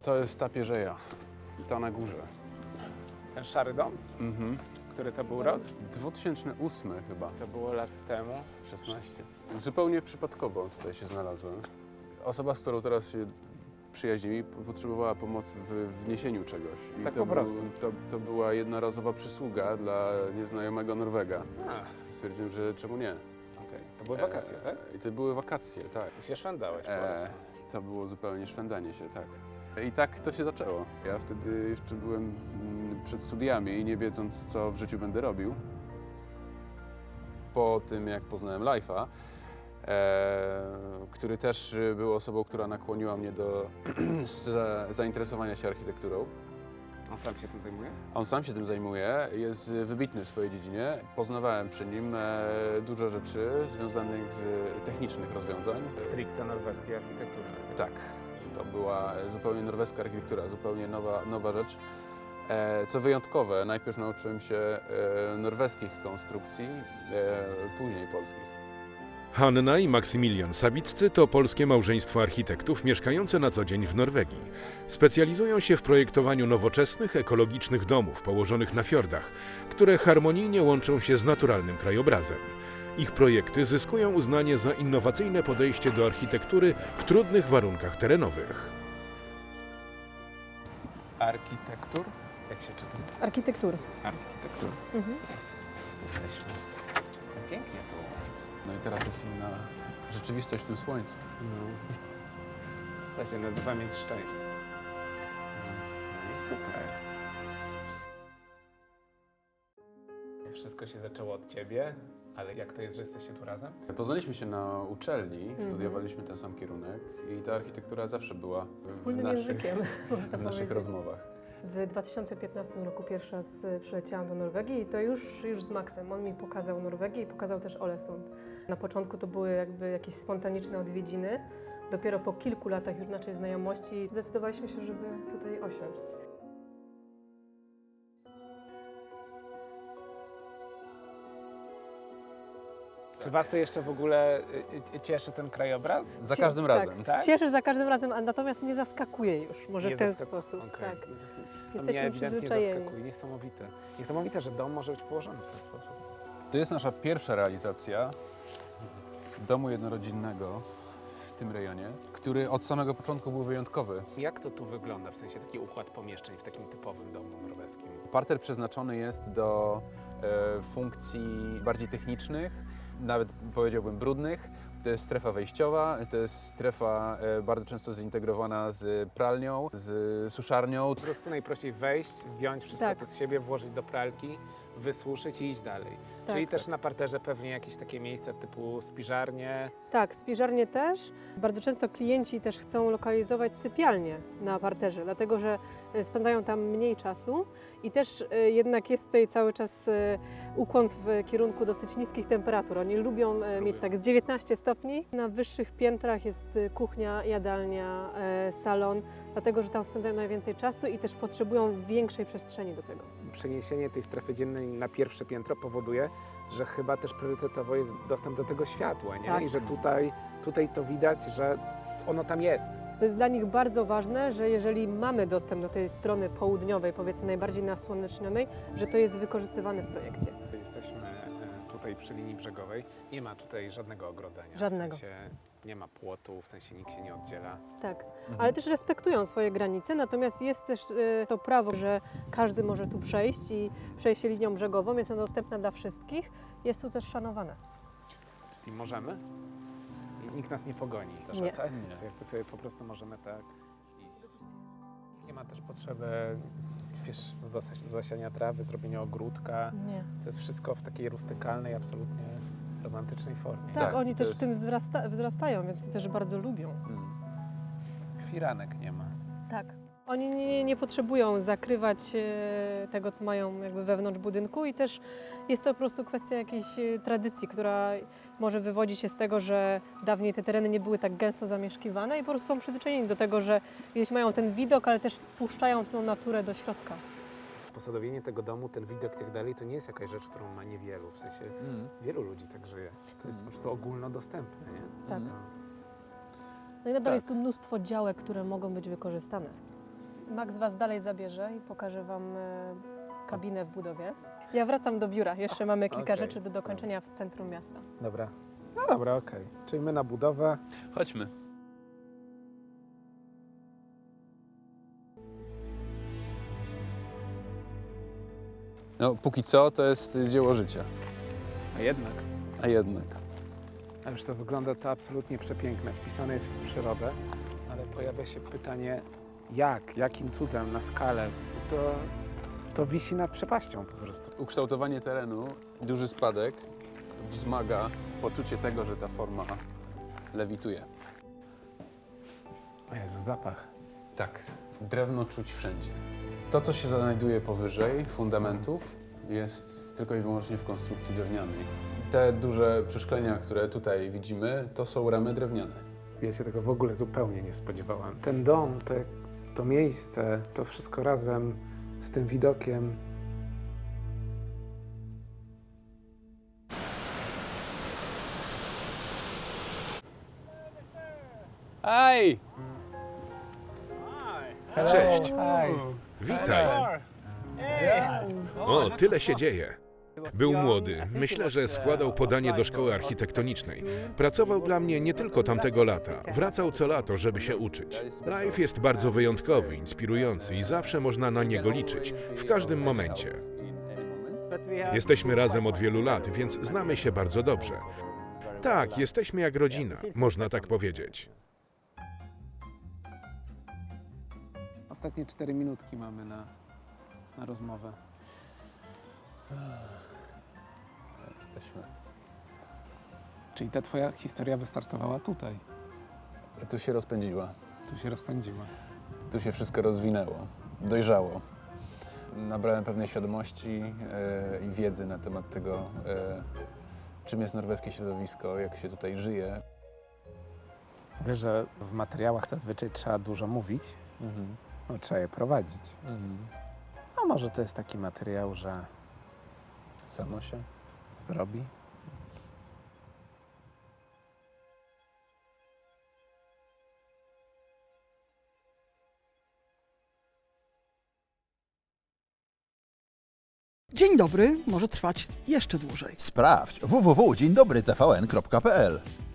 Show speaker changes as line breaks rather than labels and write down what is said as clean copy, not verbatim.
To jest ta pierzeja, ta na górze.
Ten szary dom? Który to był rok?
2008 chyba,
To było lat temu.
16. Zupełnie przypadkowo tutaj się znalazłem. Osoba, z którą teraz się przyjaźnimy, potrzebowała pomocy w wniesieniu czegoś. I
Tak
to
po prostu.
To była jednorazowa przysługa dla nieznajomego Norwega. Stwierdziłem, że czemu nie.
Okej. To były wakacje, tak?
I to były wakacje, tak.
I się szwendałeś po prostu.
To było zupełnie szwendanie się, tak. I tak to się zaczęło. Ja wtedy jeszcze byłem przed studiami i nie wiedząc, co w życiu będę robił. Po tym, jak poznałem Leif'a, który też był osobą, która nakłoniła mnie do zainteresowania się architekturą.
On sam się tym zajmuje?
On sam się tym zajmuje, jest wybitny w swojej dziedzinie. Poznawałem przy nim dużo rzeczy związanych z technicznych rozwiązań.
Stricte norweskiej architektury.
Tak, to była zupełnie norweska architektura, zupełnie nowa rzecz. Co wyjątkowe, najpierw nauczyłem się norweskich konstrukcji, później polskich.
Hanna i Maksymilian Sawiccy to polskie małżeństwo architektów mieszkające na co dzień w Norwegii. Specjalizują się w projektowaniu nowoczesnych, ekologicznych domów położonych na fiordach, które harmonijnie łączą się z naturalnym krajobrazem. Ich projekty zyskują uznanie za innowacyjne podejście do architektury w trudnych warunkach terenowych.
Architektur? Jak się czyta?
Architektury.
Architektur. Jesteśmy. Pięknie było.
No i teraz jest inna rzeczywistość w tym słońcu.
To się nazywa mieć szczęście. No i super. Wszystko się zaczęło od ciebie, ale jak to jest, że jesteście tu razem?
Poznaliśmy się na uczelni, studiowaliśmy ten sam kierunek i ta architektura zawsze była
Wspólnym językiem, można
w naszych
powiedzieć.
rozmowach.
W 2015 roku pierwszy raz przyleciałam do Norwegii i to już z Maxem. On mi pokazał Norwegię i pokazał też Ålesund. Na początku to były jakby jakieś spontaniczne odwiedziny. Dopiero po kilku latach już naszej znajomości zdecydowaliśmy się, żeby tutaj osiąść.
Czy was to jeszcze w ogóle cieszy ten krajobraz?
Za każdym razem.
Tak?
Cieszy za każdym razem, a natomiast nie zaskakuje już, może
Nie
w ten
zaskakuje.
sposób.
Okej.
Tak.
To mnie
Jesteśmy
ewidentnie
przyzwyczajeni.
zaskakuje. Niesamowite. Niesamowite, że dom może być położony w ten sposób.
To jest nasza pierwsza realizacja domu jednorodzinnego w tym rejonie, który od samego początku był wyjątkowy.
Jak to tu wygląda, w sensie taki układ pomieszczeń w takim typowym domu norweskim?
Parter przeznaczony jest do funkcji bardziej technicznych, nawet powiedziałbym brudnych. To jest strefa wejściowa, to jest strefa bardzo często zintegrowana z pralnią, z suszarnią.
Po prostu najprościej wejść, zdjąć wszystko
Tak.
to z siebie, włożyć do pralki, wysuszyć i iść dalej.
Tak,
Czyli
tak.
też na parterze pewnie jakieś takie miejsca typu spiżarnie.
Tak, spiżarnie też. Bardzo często klienci też chcą lokalizować sypialnie na parterze, dlatego że spędzają tam mniej czasu i też jednak jest tutaj cały czas ukłon w kierunku dosyć niskich temperatur. Oni lubią mieć tak 19 stopni. Na wyższych piętrach jest kuchnia, jadalnia, salon, dlatego że tam spędzają najwięcej czasu i też potrzebują większej przestrzeni do tego.
Przeniesienie tej strefy dziennej na pierwsze piętro powoduje, że chyba też priorytetowo jest dostęp do tego światła, nie?
Tak.
I że tutaj to widać, że ono tam jest.
To jest dla nich bardzo ważne, że jeżeli mamy dostęp do tej strony południowej, powiedzmy najbardziej nasłonecznionej, że to jest wykorzystywane w projekcie.
Jesteśmy tutaj przy linii brzegowej. Nie ma tutaj żadnego ogrodzenia.
Żadnego.
W sensie nie ma płotu, w sensie nikt się nie oddziela.
Tak, ale też respektują swoje granice, natomiast jest też to prawo, że każdy może tu przejść i przejście linią brzegową jest ona dostępna dla wszystkich, jest tu też szanowane.
I możemy? I nikt nas nie pogoni. Też,
Nie.
Tak?
Nie.
So jakby sobie po prostu możemy tak iść. Nie ma też potrzeby, wiesz, zasiania trawy, zrobienia ogródka.
Nie.
To jest wszystko w takiej rustykalnej, absolutnie romantycznej formie.
Tak,
Tak,
oni
to
też
jest-
w tym wzrastają, więc to też bardzo lubią.
Firanek nie ma.
Tak. Oni nie potrzebują zakrywać tego, co mają jakby wewnątrz budynku i też jest to po prostu kwestia jakiejś tradycji, która może wywodzić się z tego, że dawniej te tereny nie były tak gęsto zamieszkiwane i po prostu są przyzwyczajeni do tego, że gdzieś mają ten widok, ale też wpuszczają tą naturę do środka.
Posadowienie tego domu, ten widok i tak dalej, to nie jest jakaś rzecz, którą ma niewielu. W sensie wielu ludzi tak żyje. To jest po prostu ogólnodostępne, nie?
Tak.
No.
No i nadal
Tak.
jest tu mnóstwo działek, które mogą być wykorzystane. Max Was dalej zabierze i pokaże Wam kabinę w budowie. Ja wracam do biura, jeszcze mamy kilka
Okej.
rzeczy do dokończenia w centrum miasta.
Dobra. No dobra, okej. Czyli my na budowę.
Chodźmy. No, póki co to jest dzieło życia,
A jednak.
a jednak.
A już co, wygląda to absolutnie przepiękne. Wpisane jest w przyrodę, ale pojawia się pytanie, jakim cudem, na skalę. To wisi nad przepaścią po prostu.
Ukształtowanie terenu, duży spadek wzmaga poczucie tego, że ta forma lewituje.
O Jezu, zapach.
Tak, drewno czuć wszędzie. To, co się znajduje powyżej fundamentów, jest tylko i wyłącznie w konstrukcji drewnianej. Te duże przeszklenia, które tutaj widzimy, to są ramy drewniane.
Ja się tego w ogóle zupełnie nie spodziewałam. Ten dom, to miejsce, to wszystko razem z tym widokiem.
Hej!
Cześć.
Hej.
Witaj. O, tyle się dzieje. Był młody. Myślę, że składał podanie do szkoły architektonicznej. Pracował dla mnie nie tylko tamtego lata. Wracał co lato, żeby się uczyć. Live jest bardzo wyjątkowy, inspirujący i zawsze można na niego liczyć. W każdym momencie. Jesteśmy razem od wielu lat, więc znamy się bardzo dobrze. Tak, jesteśmy jak rodzina, można tak powiedzieć.
Ostatnie 4 minutki mamy na rozmowę.
Jesteśmy.
Czyli ta twoja historia wystartowała tutaj.
Tu się rozpędziła.
Tu się rozpędziła.
Tu się wszystko rozwinęło, dojrzało. Nabrałem pewnej świadomości i wiedzy na temat tego, czym jest norweskie środowisko, jak się tutaj żyje.
Wiesz, że w materiałach zazwyczaj trzeba dużo mówić, no, trzeba je prowadzić. A może to jest taki materiał, że
Samo się.
zrobi?
Dzień dobry może trwać jeszcze dłużej.
Sprawdź www.dzieńdobrytvn.pl